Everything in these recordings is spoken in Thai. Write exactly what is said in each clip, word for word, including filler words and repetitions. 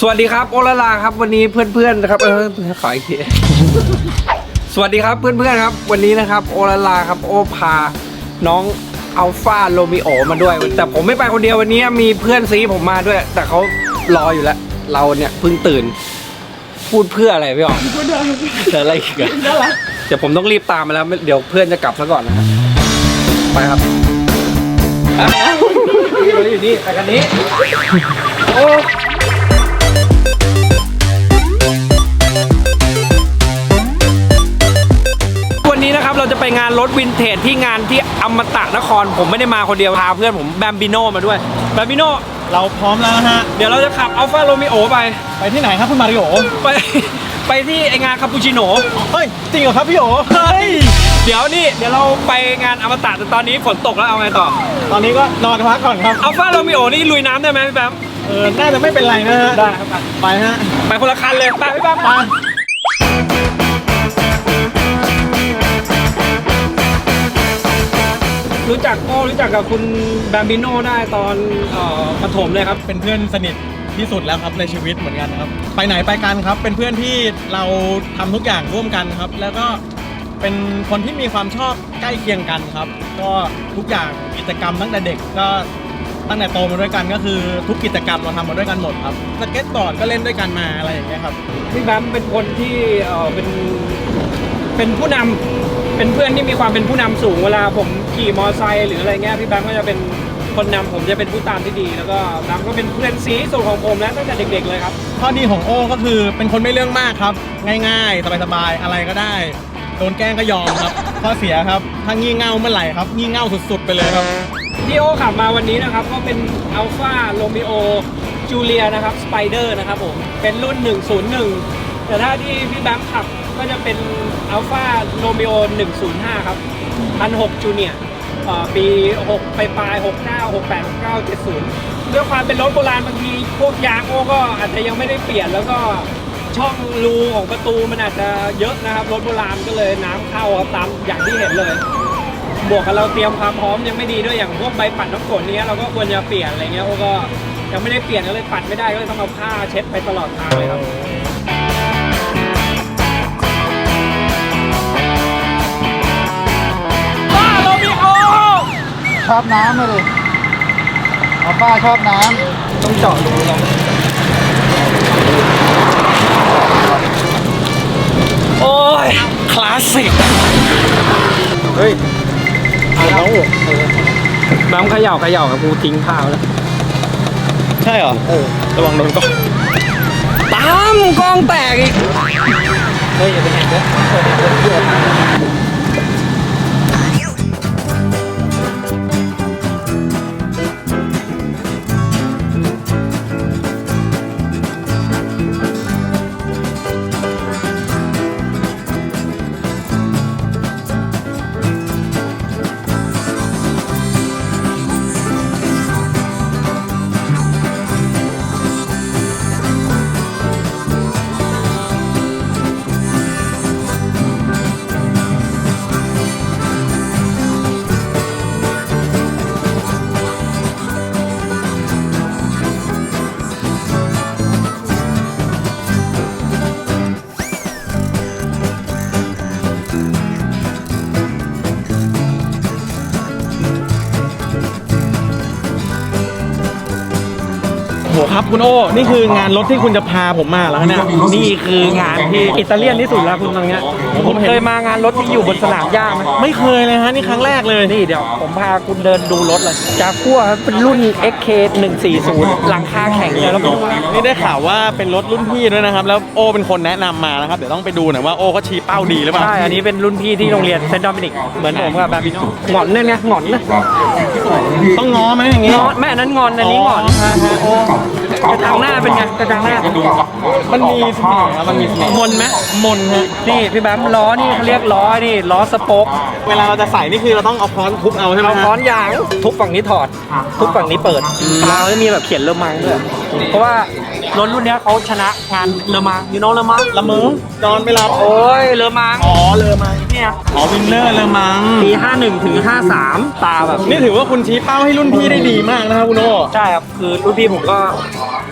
วัสดีครับโอลาลาครับวันนี้เพื่อนๆนะครับเออขออีกทีสวัสดีครับเพื่อนๆครับวันนี้นะครับโอลาลาครับโอพาน้องอัลฟาโรมิโอมาด้วยแต่ผมไม่ไปคนเดียววันนี้มีเพื่อนซีผมมาด้วยแต่เขารออยู่แล้วเราเนี่ยเพิ่งตื่นพูดเพื่ออะไรพี่อ๋อเจออะไรอีกอะเดี๋ยวผมต้องรีบตามมาแล้วเดี๋ยวเพื่อนจะกลับซะก่อนนะครับไปครับเราอยู่นี่ไปกันนี้โอ้วันนี้นะครับเราจะไปงานรถวินเทจที่งานที่อมตะนครผมไม่ได้มาคนเดียวพาเพื่อนผมแบมบิโน่มาด้วยแบมบิโน่เราพร้อมแล้วนะฮะเดี๋ยวเราจะขับอัลฟาโรมิโอไปไปที่ไหนครับคุณมาริโอไปไปที่ไองานคาปูชิโน่เฮ้ยจริงเหรอครับพี่โอเฮ้ยเดี๋ยวนี่เดี๋ยวเราไปงานอมตะแต่ตอนนี้ฝนตกแล้วเอาไงต่อตอนนี้ก็นอนพักก่อนครับอัลฟาโรมิโอนี่ลุยน้ำได้ไหมพี่แบมเออน่าจะไม่เป็นไรนะฮะได้ครับไปฮะไปคนละคันเลยไปพี่แบมไปรู้จักโอ้รู้จักกับคุณแบมบิโน่ได้ตอนประถมเลยครับเป็นเพื่อนสนิทที่สุดแล้วครับในชีวิตเหมือนกันครับไปไหนไปกันครับเป็นเพื่อนที่เราทำทุกอย่างร่วมกันครับแล้วก็เป็นคนที่มีความชอบใกล้เคียงกันครับก็ทุกอย่างกิจกรรมตั้งแต่เด็กก็ตั้งแต่โตมาด้วยกันก็คือทุกกิจกรรมเราทำมาด้วยกันหมดครับสเก็ตบอร์ดก็เล่นด้วยกันมาอะไรอย่างเงี้ยครับพี่แบมเป็นคนที่เออเป็นเป็นผู้นำเป็นเพื่อนที่มีความเป็นผู้นำสูงเวลาผมขี่มอเตอร์ไซค์หรืออะไรเงี้ยพี่แบมก็จะเป็นคนนำผมจะเป็นผู้ตามที่ดีแล้วก็แบมก็เป็นเพื่อนซีสุดของผมแล้วตั้งแต่เด็กๆเลยครับข้อดีของโอ้ก็คือเป็นคนไม่เรื่องมากครับง่ายๆสบายๆอะไรก็ได้โดนแกล้งก็ยอมครับข้อเสียครับถ้างี่เง่าเมื่อไหร่ครับงี่เง่าสุดๆไปเลยครับที่โอ้ขับมาวันนี้นะครับก็เป็นอัลฟาโรมิโอจูเลียนะครับสไปเดอร์นะครับผมเป็นรุ่นหนึ่งศูนย์หนึ่งแต่ถ้าที่พี่แบมขับก็จะเป็นอัลฟาโรมิโอหนึ่งศูนย์ห้าครับพันหกจูเนียร์ปีหกปลายปลายหกเก้า หกแปด หกเก้า เจ็ดศูนย์ด้วยความเป็นรถโบราณบางทีพวกยางโอ้ก็อาจจะยังไม่ได้เปลี่ยนแล้วก็ช่องรูของประตูมันอาจจะเยอะนะครับรถโบราณก็เลยน้ำเข้าครับตามอย่างที่เห็นเลยบวกกับเราเตรียมความพร้อมยังไม่ดีด้วยอย่างพวกใบปัดน้ำฝนนี้เราก็ควรจะเปลี่ยนอะไรเงี้ยโอ้ก็ยังไม่ได้เปลี่ยนก็เลยปัดไม่ได้ก็เลยต้องเอาผ้าเช็ดไปตลอดทางเลยครับชอบน้ำเลยเอาป้าชอบน้ำต้องเจาะรูลองโอ้ยคลาสสิกเฮ้ยเอาน้ำเขย่าเขย่ากับกูทิ้งผ้าแล้วใช่เหรอเออระวังโดนกล้องตามกล้องแตกอีกเฮ้ยอย่าไปแหกเลยโหครับคุณโอ้นี่คืองานรถที่คุณจะพาผมมาแล้วเนี่ยนี่คืองานที่อิตาเลียนที่สุดแล้วคุณตรงเนี้ยผมเคยมางานรถที่อยู่บนสนามหญ้าไหมไม่เคยเลยฮะนี่ครั้งแรกเลยนี่เดี๋ยวผมพาคุณเดินดูรถเลยจากัวเป็นรุ่น เอ็กซ์ เค หนึ่งสี่ศูนย์ หลังคาแข็งเลยแล้วนี่ได้ข่าวว่าเป็นรถรุ่นพี่ด้วยนะครับแล้วโอ้เป็นคนแนะนำมานะครับเดี๋ยวต้องไปดูหน่อยว่าโอ้เขาชี้เป้าดีหรือเปล่าใช่อันนี้เป็นรุ่นพี่ที่โรงเรียนเซนต์โดมินิกเหมือนผมกับแบมบิโน่หงอนเนี่ยไงหงอนนะต้องง้อไหมอย่างงี้ง้อแม่นั้นงอนอันนี้หงอนกระจังหน้าเป็นไงกระจังหน้ามันมีเสน่ห์มันมีเสน่ห์มนไหมมนฮะนี่พี่แบมล้อนี่เขาเรียกล้อนี่ล้อสป็อกเวลาเราจะใส่นี่คือเราต้องเอาค้อนทุบเอาใช่ไหมเอาค้อนยางทุบฝั่งนี้ถอดทุบฝั่งนี้เปิดเราจะมีแบบเขียนเลอมังด้วยเพราะว่ารถรุ่นนี้เขาชนะงานเลอมังยูโน่เลอมังละมึงนอนไม่หลับโอ้ยเลอมังอ๋อเลอมังเนี่ยอ๋อวินเนอร์เลอมังปีห้าหนึ่งถึงห้าสามตาแบบนี่ถือว่าคุณชี้เป้าให้รุ่นพี่ได้ดีมากนะครับคุณโอใช่ครับคือรุ่นพี่ผมก็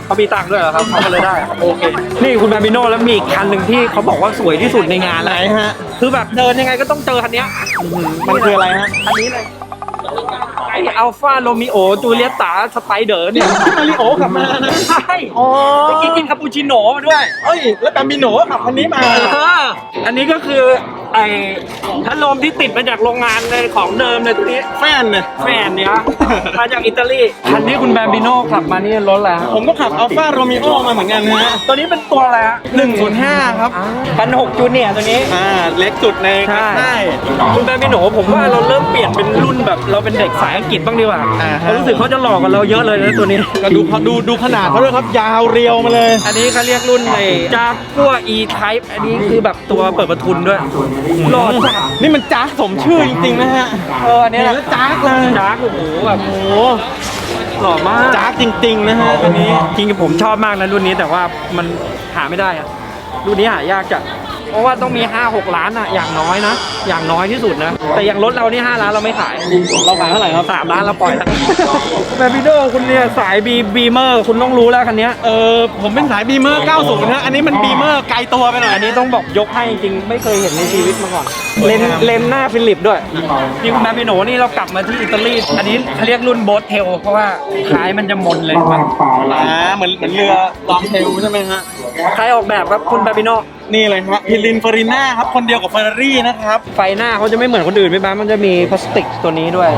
เขามีตังค์ด้วยเหรอครับเขาก็เลยได้โอเคนี่คุณบาบิโน่แล้วมีอีกคันหนึ่งที่เขาบอกว่าสวยที่สุดในงานไหนเลยฮะคือแบบเดินยังไงก็ต้องเจอคันเนี้ยมันคืออะไรฮะอันนี้เลยไออัลฟาโรมิโอจูเลียตาสไปเดอร์เนี่ยมาริโอขับมานะใช่อ๋อเมื่อกี้กินคาปูชิโน่มาด้วยเอ้ยแล้วแบมบิโนก็ขับคันนี้มาเอออันนี้ก็คือไอ้พัดลมที่ติดมาจากโรงงานเลยของเดิมเลยตัวนี้แฟนเนี่ยแฟนเนี่ยมาจากอิตาลีคันนี้คุณแบมบิโน่ขับมานี่รถแล้วผมก็ขับอัลฟาโรมิโอมาเหมือนกันนะฮะตัวนี้เป็นตัวอะไรฮะหนึ่งศูนย์ห้าครับพันหกจูเนียร์ตัวนี้อ่า เล็กสุดในใช่ค่ายคุณแบมบิโน่ผมว่าเราเริ่มเปลี่ยนเป็นรุ่นแบบเราเป็นเด็กสายอังกฤษบ้างดีกว่าอ่าฮะเขารู้สึกเขาจะหลอกกับเราเยอะเลยนะตัวนี้ก็ดูเขาดูดูขนาดเขาด้วยครับ ยาวเรียวมาเลยอันนี้เขาเรียกรุ่นในจากกัว E Type อันนี้คือแบบตัวเปิดประทุนด้วยหล่อจัดนี่มันจ้าสมชื่อจริงๆนะฮะเอออันนี้เห็นแหแล้ละวจ้ากเลยจากโอ้โหแบบโอ้โหหล่อมากจ้าจริงๆนะฮะตัวนี้จริงๆผมชอบมากนะรุ่นนี้แต่ว่ามันหาไม่ได้อะรุ่นนี้หายากจัดเพราะว่าต้องมี ห้าหก ล้านอะอย่างน้อยนะ อย่างน้อยที่สุดนะ แต่อย่างรถเรานี่ห้าล้านเราไม่ขายเราขายเท่าไหร่ครับสามล้านเราปล่อยแล้วแบมบิโดคุณเนี่ยสายบีบีเมอร์คุณต้องรู้แล้วคันเนี้ยเออผมเป็นสายบีเมอร์เก้าสิบนะอันนี้มันบีเมอร์ไกลตัวไปหน่อยอันนี้ต้องบอกยกให้จริงๆไม่เคยเห็นในชีวิตมาก่อน เลนเลนหน้าฟิลิปด้วยนี่คุณแบมบิโนนี่เรากลับมาที่อิตาลีอันนี้เขาเรียกรุ่นโบ๊ทเทลเพราะว่าท้ายมันจะมนเลยมันอ่าเหมือนเหมือนเรือลองเทลใช่ไหมฮะใครออกแบบครับคุณแบมบิโนนี่เลยฮะพิลินเฟอริน่าครับ คนเดียวกับเฟอร์รารี่นะครับไฟหน้าเขาจะไม่เหมือนคนอื่นไหมบ้างมันจะมีพลาสติกตัวนี้ด้วย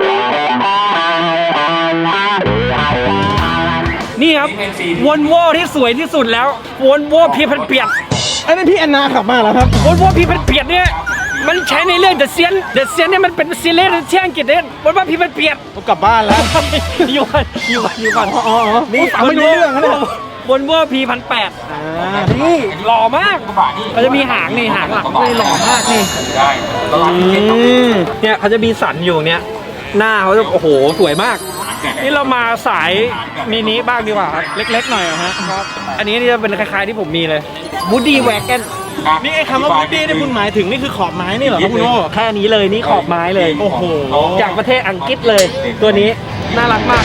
นี่ครับวนโวที่สวยที่สุดแล้ววนโวพีพันเปียดอันนี้พี่แอนนาขับมาแล้วครับวนโวพีพันเปียดเนี่ยมันใช้ในเรื่องเดอะเซียนเดอะเซียนเนี่ยมันเป็นซีรีส์ที่อังกฤษเนี่ยวนโวพีพันเปียดผมกลับบ้านแล้วอยู่ก่อนอยู่ก่อนอยู่ก่อนอ๋ออ๋อนี่ฟังไม่รู้เรื่องนะเนี่ยวนโวพีพันแปดนี่หล่อมากเขาจะมีหางนี่หางหลังเลยหล่อมากนี่อืมเนี่ยเขาจะมีสันอยู่เนี้ยหน้าเขาจะโอ้โหสวยมาก นี่เรามาสายมินิบ้างดีกว่าครับเล็กๆหน่อยเหรอฮะครับอันนี้นี่จะเป็นคล้ายๆที่ผมมีเลยบูดี้แวกเกนนี่ไอ้คำว่าบูดดี้ที่คุณหมายถึงนี่คือขอบไม้นี่เหรอครับคุณโอ้แค่นี้เลยนี่ขอบไม้เลยโอ้โหจากประเทศอังกฤษเลย ตัวนี้น่ารักมาก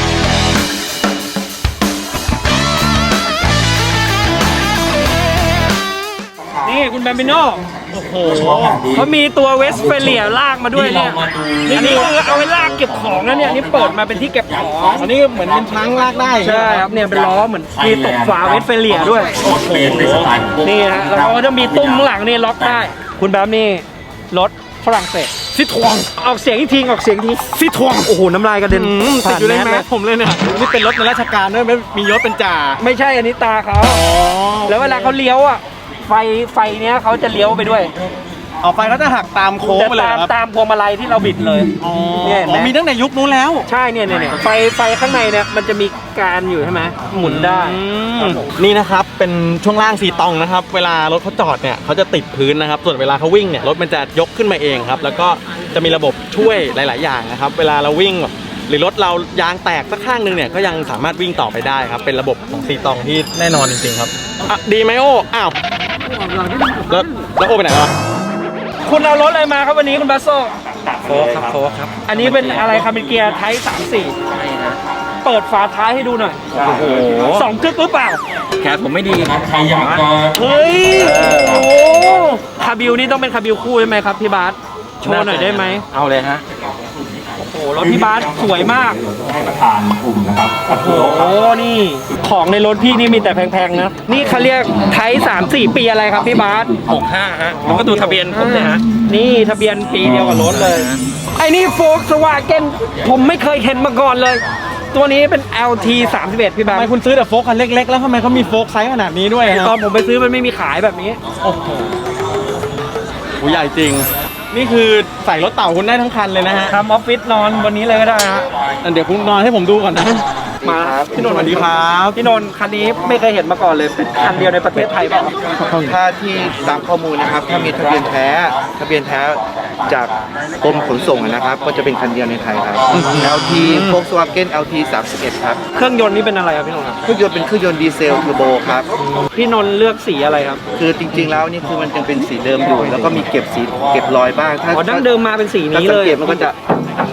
นี่คุณแบมบิโน่โอ้โหเขามีตัวเวสเฟเลียลากมาด้วยเนี่ยอันนี้คือเอาไว้ลากเก็บของนะเนี่ยอันนี่เปิดมาเป็นที่เก็บของอันนี้เหมือนเป็นช้างลากได้ใช่ครับเนี่ยเป็นล้อเหมือนมีตกฝาเวสเฟเลียด้วยโอ้โหนี่ฮะแล้วเขาก็จะมีตุ้มข้างหลังนี่ล็อกได้ คุณแบมนี่รถฝรั่งเศสซิทวงออกเสียงอีกทีออกเสียงอีกทีซิทวงโอ้โหน้ำลายกระเด็นอืมติดอยู่ในแมเลสผมเลยเนี่ยนี่เป็นรถในราชการด้วยไม่มียศเป็นจ่าไม่ใช่อันนี้ตาเขาอ๋อแล้วเวลาเขาเลี้ยวอ่ะไฟไฟเนี้ยเขาจะเลี้ยวไปด้วยออกไปก็จะหักตามโค้งจะไปเลยตามครับตามพวงมาลัยที่เราบิดเลยอ๋อเนี่ยเห็นไหมอ๋อมีตั้งแต่ยุคนู้นแล้วใช่เนี่ยเนี่ยเนี่ยไฟไฟข้างในเนี่ยมันจะมีการอยู่ใช่ไหมหมุนได้ ครับผมนี่นะครับเป็นช่วงล่างสีตองนะครับ เวลารถเขาจอดเนี่ยเขาจะติดพื้นนะครับ ส่วนเวลาเขาวิ่งเนี่ยรถมันจะยกขึ้นมาเองครับ แล้วก็จะมีระบบช่วยหลาย ๆ อย่างนะครับ เวลาเราวิ่งหรือรถเรายางแตกสักข้างหนึงเนี่ยก็ยังสามารถวิ่งต่อไปได้ครับ เป็นระบบของสีตองที่แน่นอนจริง ๆ ครับอ่ะดีไหมโอ้อ้าวแล้วแล้วโอ้ไปไหนวะคุณเอารถอะไรมาครับวันนี้คุณบัสโซโฟครับโฟครับ อันนี้เป็นอะไรครับเป็นเกียร์ไทป์สามสี่เปิดฝาท้ายให้ดูหน่อยโอ้โหสองกึกหรือเปล่าแขนผมไม่ดีใครอยากจะเฮ้ย โอ้โหคาบิวนี่ต้องเป็นคาบิวคู่ใช่ไหมครับพี่บาสโชว์หน่อยได้ไหมเอาเลยฮะโอ้โหรถพี่บาสสวยมากให้ประธานกลุ่มนะครับโอ้โห นี่ของในรถพี่นี่มีแต่แพงๆนะ นี่เขาเรียกไทป์สามสี่ปีอะไรครับพี่บาสหกห้าฮะแล้วก็ดูทะเบียนผมเนี่ยฮะนี่ทะเบียนปีเดียวกับรถเลย ไอ้นี่โฟกสวาเกนผมไม่เคยเห็นมาก่อนเลย ตัวนี้เป็น แอล ที สามสิบเอ็ดพี่บาทำสไมคุณซื้อแต่โฟล์คคันเล็ก ๆ แล้วทำไมเขามีโฟล์คไซส์ขนาดนี้ด้วยคตอรันบผมไปซื้อมันไม่มีขายแบบนี้โอ้โหหูใหญ่จริง นี่คือใส่รถเต่าคุณได้ทั้งคันเลยนะฮะทำออฟฟิศนอนบนนี้เลยก็ได้ฮะอ่ะเดี๋ยวคุณนอนให้ผมดูก่อนนะมาครับพี่นนท์สวัสดีครับพี่นนท์คันนี้ไม่เคยเห็นมาก่อนเลย เป็นคันเดียวในประเทศไทยเปล่าถ้าที่ตามข้อมูลนะครับ ถ้ามีทะเบียนแท้ทะเบียนแท้จากกรมขนส่งนะครับ ก็จะเป็นคันเดียวในไทยครับ แอล ที Volkswagen แอล ที สามสิบเอ็ดครับเครื่องยนต์นี่เป็นอะไรครับพี่นนท์ครับเครื่องยนต์เป็นเครื่องยนต์ดีเซลเทอร์โบครับพี่นนท์เลือกสีอะไรครับคือจริงๆแล้วนี่คือมันยังเป็นสีเดิมอยู่ แล้วก็มีเก็บสีเก็บรอยบ้าง ถ้าอ๋อดั้งเดิมมาเป็นสีถ้านี้สัเลงยเกตมันก็จะ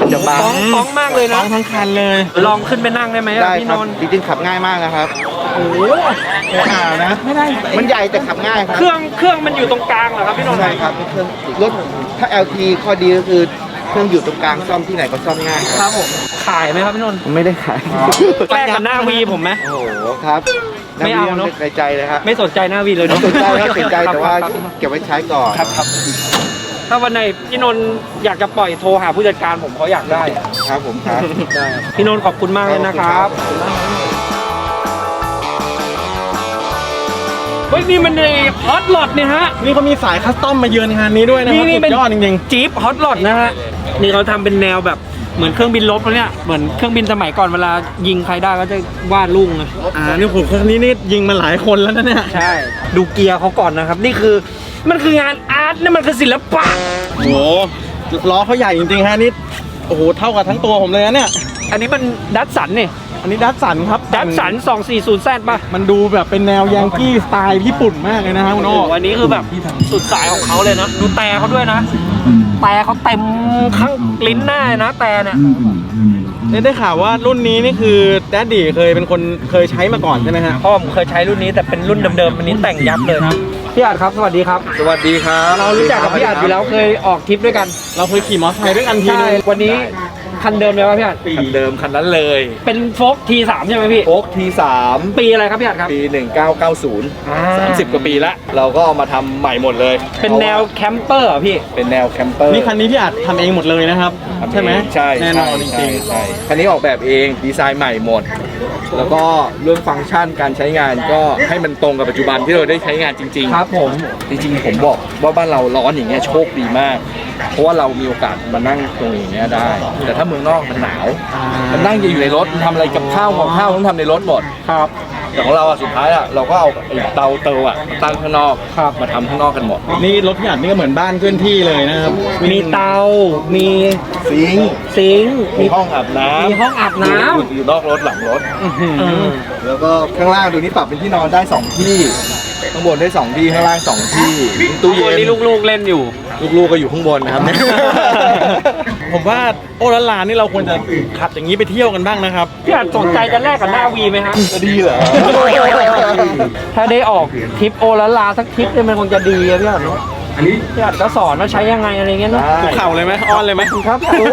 จะบางฟ้องฟ้องมากเลยฟ้นะองทั้งคันเลยลองขึ้นไปนั่งได้ไหมอะได้พี่คน รับนท์จริงๆขับง่ายมากนะครับโอ้โหอ่านะไม่ได้มันใหญ่แต่ขับง่ายครับเครื่องเครื่องมันอยู่ตรงกลางเหรอครับพี่นนท์ใช่ครับเครื่องรถถ้า แอล ที ข้อดีก็คือเครื่องอยู่ตรงกลางซ่อมที่ไหนก็ซ่อมง่ายคครับ รับผมขายไหมครับพี่นนท์ไม่ได้ขายแลกกับหน้าวีผมไหมโอ้โหครับไม่เอาเนอะในใจเลยครับไม่สนใจหน้าวีเลยเนอะสนใจครับสนใจแต่ว่าครับเก็บไว้ใช้ก่อนครับครับถ้าวันไหนพี่นนท์อยากจะปล่อยโทรหาผู้จัดการผมเขาอยากได้ครับผมครับได้พี่นนท์ขอบคุณมากเลยนะครับเฮ้ยนี่มันในฮอตหลอดเนี่ยฮะนี่เขามีสายคัสตอมมาเยือนงานนี้ด้วยนะครับนี่นี่สุเป็นดยอดจริงจี๊ปฮอตหลอดนะฮะนี่เขาทำเป็นแนวแบบเหมือนเครื่องบินลบแล้วเนี่ยเหมือนเครื่องบินสมัยก่อนเวลายิงใครได้ก็จะวาดลุงนะๆอ่านี่ผมคนนี้นี่ยิงมาหลายคนแล้วนะเนี่ยใช่ดูเกียร์เขาก่อนนะครับ นี่คือมันคืองานอาร์ตนี่มันคือศิลปะโอ้โหล้อเขาใหญ่จริงๆฮะนี่โอ้โหเท่ากับทั้งตัวผมเลยนะเนี่ยอันนี้มันดัตสันนี่อันนี้ดัตสันครับดัตสันสองสี่ศูนย์แซดป่ะมันดูแบบเป็นแนวยังกี้สไตล์ญี่ปุ่นมากเลยนะฮะคุณโอ้โอ้โหอันนี้คือแบบสุดสายของเขาเลยนะดูแต่เขาด้วยนะแต่เขาเต็มข้างลิ้นหน้าเลยนะแต่เนี่ยได้ได้ข่าวว่ารุ่นนี้นี่คือแดดดี้เคยเป็นคนเคยใช้มาก่อนใช่ไหมฮะพ่อผมเคยใช้รุ่นนี้แต่เป็นรุ่นเดิมๆอันนี้แต่งยับเลยครับพี่อาจครับสวัสดีครับสวัสดีครับเรารู้จักกับพี่อาจอยู่แล้วเคยออกทริปด้วยกันเราเคยขี่มอเตอร์ไซค์ด้วยกันทีใช่นึงวันนี้คันเดิมเลยป่ะพี่อาจคันเดิมคันนั้นเลยเป็นโฟล์กทีสามใช่ไหมพี่โอ๊กทีสามปีอะไรครับพี่อาจครับปีหนึ่งเก้าเก้าศูนย์อ่าสามสิบกว่าปีละเราก็เอามาทำใหม่หมดเลยเป็นแนวแคมเปอร์เหรอพี่เป็นแนวแคมเปอร์นี่คันนี้พี่อาจทำเองหมดเลยนะครับ ใช่ไหมใช่แน่นอนจใช่ริงใช่คันนี้ออกแบบเองดีไซน์ใหม่หมด แล้วก็เรื่องฟังก์ชันการใช้งานก็ให้มันตรงกับปัจจุบันที่เราได้ใช้งานจริง ๆครับผมจริงๆผมบอกว่าบ้านเราร้อนอย่างเงี้ยโชคดีมาก เพราะว่าเรามีโอกาสมานั่งตรงอย่างเงี้ยได้ แต่ถ้าเมืองนอกมันหนาว มันนั่งอยู่ในรถมันทำอะไรกับข้าวของข้าวต้องทำในรถหมดครับแต่ของเราอะสุดท้ายอะเราก็เอาไอ้เตาเตาอะมาตั้งข้างนอกครับมาทำข้างนอกกันหมดนี่รถพี่อาจนี่ก็เหมือนบ้านเคลื่อนที่เลยนะครับมีเตา มีซิงค์ซิงค์มีห้องอาบน้ำมีห้องอาบน้ำอยู่อยู่นอกรถหลังรถเออแล้วก็ข้างล่างดูนี่ปรับเป็นที่นอนได้สองที่ข้างบนได้สองที่ข้างล่างสองที่ตู้เย็วันนนี้ลูกๆเล่นอยู่ลูกๆก็อยู่ข้างบนนะครับเนี่ยผมว่าโอละลานนี่เราควรจะขับอย่างนี้ไปเที่ยวกันบ้างนะครับพี่อาจสนใจจะแลกกับหน้าวีไหมฮะจะดีเหรอถ้าได้ออกทริปโอละลาสักทริปเนี่ยมันคงจะดีอะพี่อาจเนอะพี่อาจก็สอนว่าใช้ยังไงอะไรเงี้ยเนาะคุกเข่าเลยไหมอ้อนเลยไหมครับ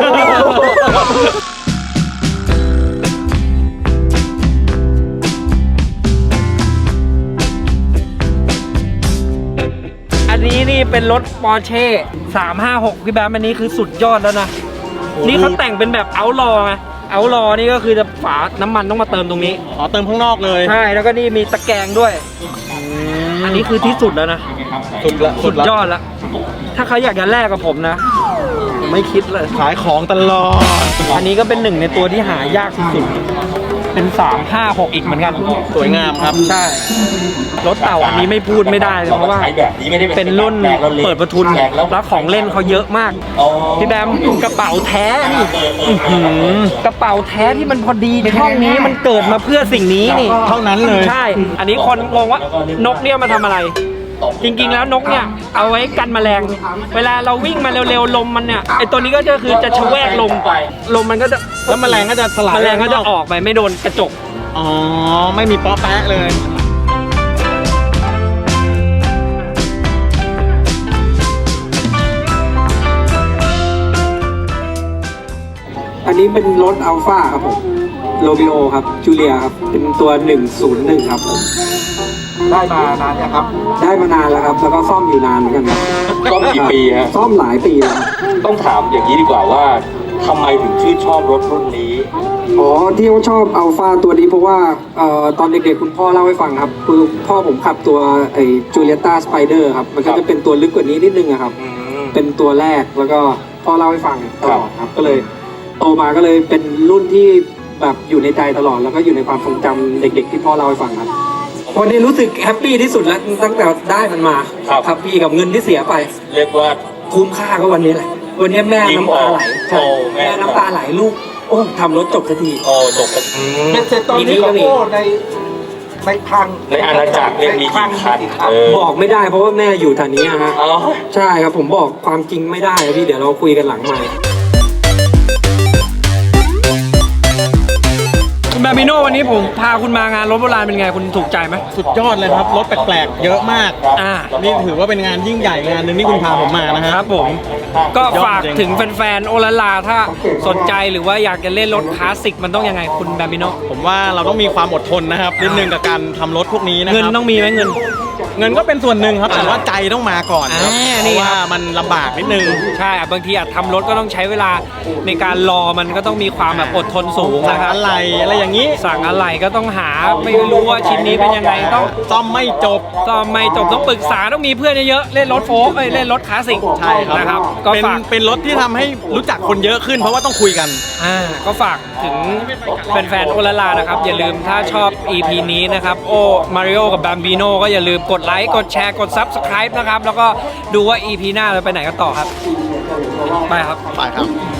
อันนี้นี่เป็นรถปอร์เช่สามห้าหกพี่แบมอันนี้คือสุดยอดแล้วนะ นี่เขาแต่งเป็นแบบเอาท์ลอไงเอาท์ลอนี่ก็คือจะฝาน้ำมันต้องมาเติมตรงนี้อ๋อเติมข้างนอกเลยใช่ แล้วก็นี่มีตะแกรงด้วย อันนี้คือที่สุดแล้วนะสุดละสุดละยอดแล้ว ถ้าเขาอยากจะแลกกับผมนะ ไม่คิดเลยขายของตลอดอันนี้ก็เป็นหนึ่งในตัวที่หายากสุดๆ เป็นสามห้าหกอีกเหมือนกันสวยงามครับใช่ รถเต่าอันนี้ไม่พูดไม่ได้เลยเพราะว่า เป็นรุ่นเปิดประทุนแล้วของเล่นเขาเยอะมาก พี่แบมกระเป๋าแท้นี่อื้อหือกระเป๋าแท้ที่มันพอดีในห้องนี้มันเกิดมาเพื่อสิ่งนี้นี่เท่านั้นเลยใช่ อันนี้คนงงว่านกเนี่ยมาทำอะไร จริงๆแล้วนกเนี่ยเอาไว้กันแมลง เวลาเราวิ่งมาเร็วๆลมมันเนี่ยไอตัวนี้ก็จะคือจะชะแวกลมลมมันก็จะแล้วแมลงก็จะสลายแมลงก็จะออกไปไม่โดนกระจกอ๋อ ไม่มีป๊อปแปะเลยอันนี้เป็นรถอัลฟาครับผมโรบิโอครับจูเลียครับเป็นตัวหนึ่งศูนย์หนึ่งครับผมได้มานานยังครับได้มานานแล้วครับแล้วก็ซ่อมอยู่นานเหมือนกันครับก็กี่ปีฮะซ่อมหลายปีแล้วครับต้องถามอย่างนี้ดีกว่าว่าทำไมถึงชื่นชอบรถรุ่นนี้อ๋อที่ว่าชอบอัลฟาตัวนี้เพราะว่าเอ่อตอนเด็กๆคุณพ่อเล่าให้ฟังครับคือพ่อผมขับตัวไอ้จูเลียต้าสไปเดอร์ครับมันก็จะเป็นตัวลึกกว่านี้นิดนึงอะครับ เป็นตัวแรกแล้วก็พ่อเล่าให้ฟังตลอดครับก็เลยโตมาก็เลยเป็นรุ่นที่แบบอยู่ในใจตลอดแล้วก็อยู่ในความทรงจำเด็กๆที่พ่อเล่าให้ฟังครับวันนี้รู้สึกแฮปปี้ที่สุดแล้วตั้งแต่ได้มันมาครับครับพี่กับเงินที่เสียไปเรียกว่าคุ้มค่าก็วันนี้แหละวันนี้แม่ยิ้มน้ำตาไหลออกใช่โอ้แม่แม่น้ำตาไหลลูกโอ้ทำรถจบสักทีโอ้จบกันเป็นเสร็จตอนนี้ก็โอ้ในในพังในอาณาจักรเนี่ยมีกี่คันเออบอกไม่ได้เพราะว่าแม่อยู่แถวนี้อะฮะอ๋อใช่ครับผมบอกความจริงไม่ได้อะพี่เดี๋ยวเราคุยกันหลังไมค์บาบิโนวันนี้ผมพาคุณมางานรถโบราณเป็นไงคุณถูกใจไหมสุดยอดเลยครับรถแปลกๆเยอะมากอ่านี่ถือว่าเป็นงานยิ่งใหญ่งานหนึ่งที่คุณพาผมมานะคครัรับบ ผมก็ยอดฝากจริงถึงแฟนๆโอลาลาถ้าสนใจหรือว่าอยากจะเล่นรถคลาสสิกมันต้องยังไงคุณบาบิโนผมว่าเราต้องมีความอดทนนะครับนิดนึงกับการทำรถพวกนี้นะคเงินรับต้องมีไหมเงินเงินก็เป็นส่วนหนึ่งครับแต่ว่าใจต้องมาก่อนครับอ่าเพนี่ราะครับว่ามันลำบากนิดนึงใช่อ่ะบางทีอาจทำรถก็ต้องใช้เวลาในการรอมันก็ต้องมีความแบบอดทนสูงสั่งนะครับอะไรอะไรอย่างนี้สั่งอะไรก็ต้องหาไม่รู้ว่าชิ้นนี้เป็นยังไงต้องซ่อมไม่จบก็ไม่จบต้องปรึกษาต้องมีเพื่อนเยอะๆเล่นรถโฟล์กเอ้ยเล่นรถคลาสสิกใช่ครับนะครับก็เป็นฝากเป็นรถที่ทำให้รู้จักคนเยอะขึ้น เพราะว่าต้องคุยกันอ่าก็ฝากถึงแฟนๆโอลาลานะครับอย่าลืมถ้าชอบ อี พี นี้นะครับโอมาริโอกับบัมบิโนก็อย่าลืมกดไลค์กดแชร์กด ซับสไครบ์ นะครับแล้วก็ดูว่า อี พี หน้าเราไปไหนกันต่อครับไปครับไปครับ